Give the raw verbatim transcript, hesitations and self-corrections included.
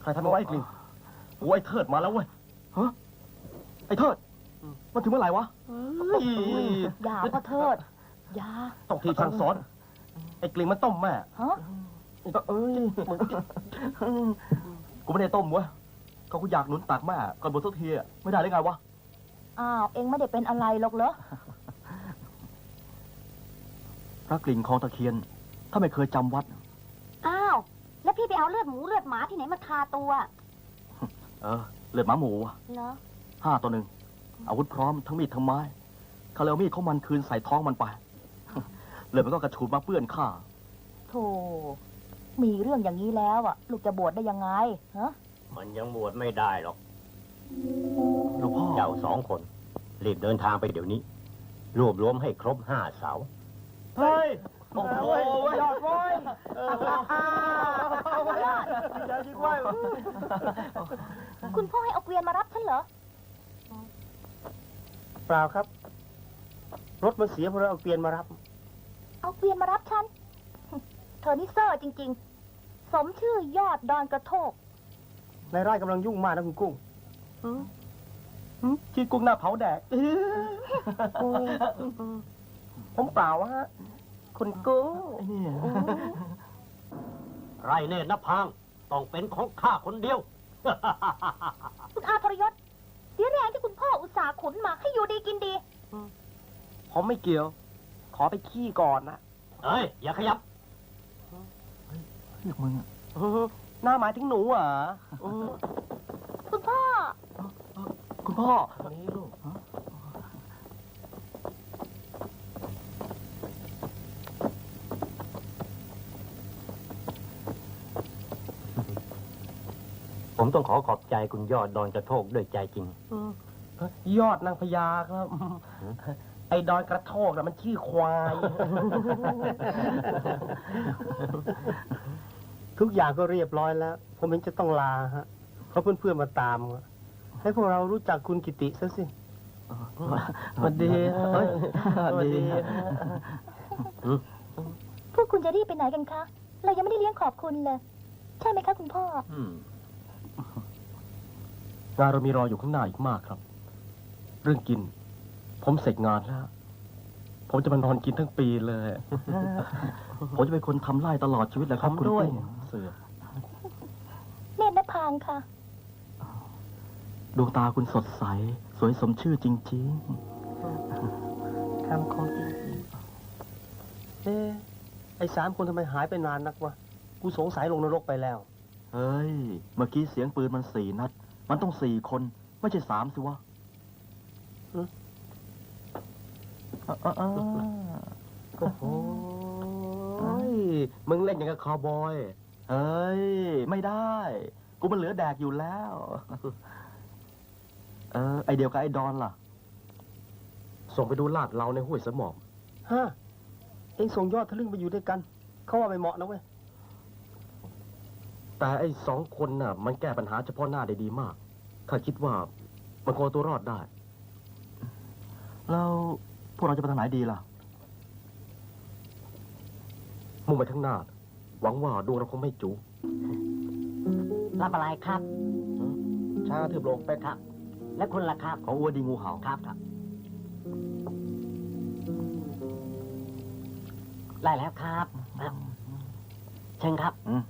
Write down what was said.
รทำเอาไว้ไอ้กลิ่งโอ้ยไอ้เทิดมาแล้วเว้ยฮะไอ้เทิดมันถึงเมื่อไหร่วะอย่าพ่อเทิดอย่าต้องทีสั่งสอนไอ้กลิ่งมันต้มแม่ฮะเอ้ยกูไม่ได้ต้มเว้ยก็กูอยากหนุนตักแม่ก่อนบวชสักทีไม่ได้ได้ไงวะอ้าวเองไม่ได้เป็นอะไรหรอกเหรอพระกลิ่งคลองตะเคียนถ้าไม่เคยจำวัดอ้าวแล้วพี่ไปเอาเลือดหมูเลือดหมาที่ไหนมาทาตัวเออเลือดหมาหมูเหรอห้าตัวหนึ่งอาวุธพร้อมทั้งมีดทั้งไม้เขาเลยเอามีดเขามันคืนใส่ท้องมันไปเลยมันก็กระชูดมาเปื้อนข้าโธ่มีเรื่องอย่างนี้แล้วอ่ะลูกจะบวชได้ยังไงฮะมันยังบวชไม่ได้หรอกหลวงพ่อเจ้าสองคนรีบเดินทางไปเดี๋ยวนี้รวบรวมให้ครบห้าเสาเฮ้ยโอ้โหยอดเว้ยคุณพ่อให้เอาเกวียนมารับฉันเหรอเปล่าครับรถมันเสียเพราะเราเอาเกวียนมารับเอาเกวียนมารับฉันเธอนี่เซ่อจริงๆสมชื่อยอดดอนกระโทกนายไร่กำลังยุ่งมากนะคุณกุ้งที่กุ้งหน้าเผาแดกผมเปล่าฮะคุณกุ้งไรเนตรนภางต้องเป็นของข้าคนเดียวคุณอาทรยศเสียแรงที่คุณพ่ออุตส่าห์ขุนมาให้อยู่ดีกินดีผมไม่เกี่ยวขอไปขี้ก่อนนะเอ้ยอย่าขยับเรียกมึงหน้าหมายถึงหนูอ่ะคุณพ่อคุณพ่อนี่ลูกผมต้องขอขอบใจคุณยอดดอนกระโทกด้วยใจจริงยอดนางพญาครับไอ้ดอนกระโทกน่ะมันชื่อควายทุกอย่างก็เรียบร้อยแล้วผมเองจะต้องลาฮะเพราะเพื่อนๆมาตามให้พวกเรารู้จักคุณกิติซะสิสวัสดีสวัสดีพวกคุณจะรีบไปไหนกันคะเรายังไม่ได้เลี้ยงขอบคุณเลยใช่ไหมคะคุณพ่องานเรามีรออยู่ข้างหน้าอีกมากครับเรื่องกินผมเสร็จงานแล้วผมจะมานอนกินทั้งปีเลยผมจะเป็นคนทำไร่ตลอดชีวิตแหละครับคุณด้วยเสือเนตรนภางค่ะดวงตาคุณสดใสสวยสมชื่อจริงๆคำคงจริงๆเอ๊ะไอ้สามคนทำไมหายไปนานนักวะกูสงสัยลงนรกไปแล้วเฮ้ยเมื่อกี้เสียงปืนมันสี่นัดมันต้องสี่คนไม่ใช่สามสิวะโอ้โหมึงเล่นอย่างกับคาวบอยเฮ้ยไม่ได้กูมันเหลือแดกอยู่แล้วเออไอเดียวกับไอดอนล่ะส่งไปดูลาดเราในห้วยสมองฮะเองส่งยอดทะลึ่งไปอยู่ด้วยกันเขาว่าไม่เหมาะนะเว้ยแต่ไอสองคนน่ะมันแก้ปัญหาเฉพาะหน้าได้ดีมากข้าคิดว่ามันพอตัวรอดได้แล้วพวกเราจะไปทางไหนดีล่ะมุ่งไปข้างหน้าหวังว่าดวงเราคงไม่จูรับอะไรครับช้าถือลงไปครับและคุณล่ะครับของอัวดีงูเห่าครับครับได้แล้วครับเชิญครับอืม